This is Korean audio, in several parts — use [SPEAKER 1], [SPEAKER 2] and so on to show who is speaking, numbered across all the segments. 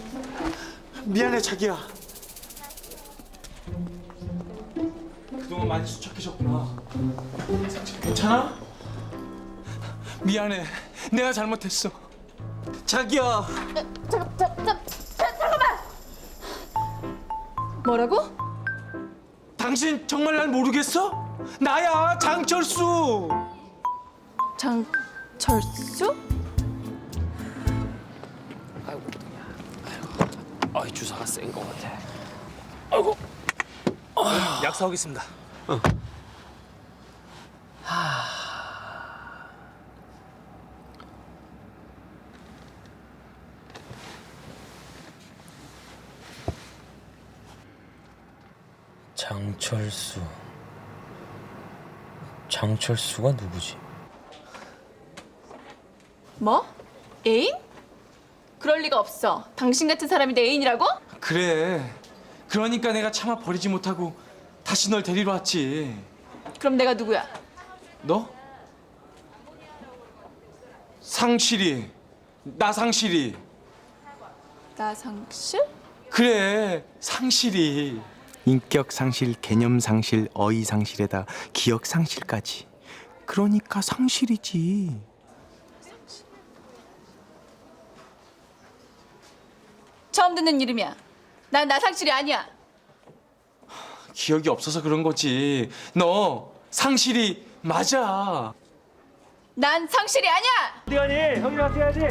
[SPEAKER 1] 미안해 자기야. 그동안 많이 수척해졌구나. 괜찮아? 미안해. 내가 잘못했어. 자기야.
[SPEAKER 2] 잠깐만. 뭐라고?
[SPEAKER 1] 당신 정말 날 모르겠어? 나야 장철수.
[SPEAKER 2] 장철수?
[SPEAKER 3] 아이 주사가 센 것 같아. 아이고. 약 사오겠습니다. 장철수. 장철수가 누구지?
[SPEAKER 2] 뭐? 애인? 그럴 리가 없어. 당신 같은 사람이 내 애인이라고?
[SPEAKER 1] 그래. 그러니까 내가 차마 버리지 못하고 다시 널 데리러 왔지.
[SPEAKER 2] 그럼 내가 누구야?
[SPEAKER 1] 너? 상실이. 나 상실이.
[SPEAKER 2] 나상실?
[SPEAKER 1] 그래. 상실이. 인격 상실, 개념 상실, 어휘 상실에다 기억 상실까지. 그러니까 상실이지.
[SPEAKER 2] 처음 듣는 이름이야. 난 나상실이 아니야.
[SPEAKER 1] 기억이 없어서 그런 거지. 너 상실이 맞아.
[SPEAKER 2] 난 상실이 아니야.
[SPEAKER 3] 어디 가니? 형이랑 어떻게 해야지?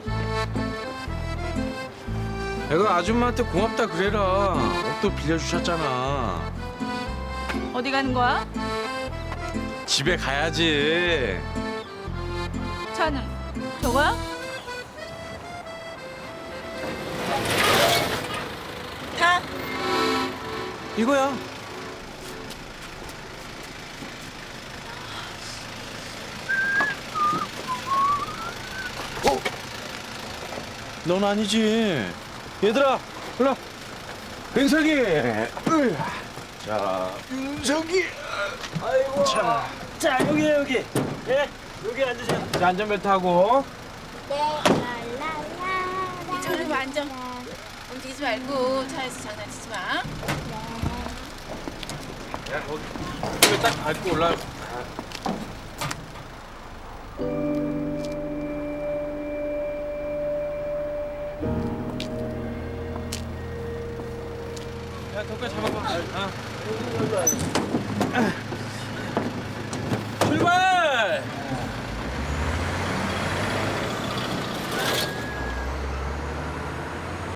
[SPEAKER 1] 내가 아줌마한테 고맙다 그래라. 옷도 빌려주셨잖아.
[SPEAKER 2] 어디 가는 거야?
[SPEAKER 1] 집에 가야지.
[SPEAKER 2] 차는 저거야? 가.
[SPEAKER 1] 이거야. 넌 아니지. 얘들아, 일로. 윤석이. 자, 윤석이.
[SPEAKER 3] 아이고. 자 여기. 예. 여기 앉으세요. 자 안전벨트 하고.
[SPEAKER 2] 저리 앉아. 움직이지 말고 차에서 장난치지 마.
[SPEAKER 1] 야, 거기 딱 밟고 올라. 야, 덕구야 잡아봐.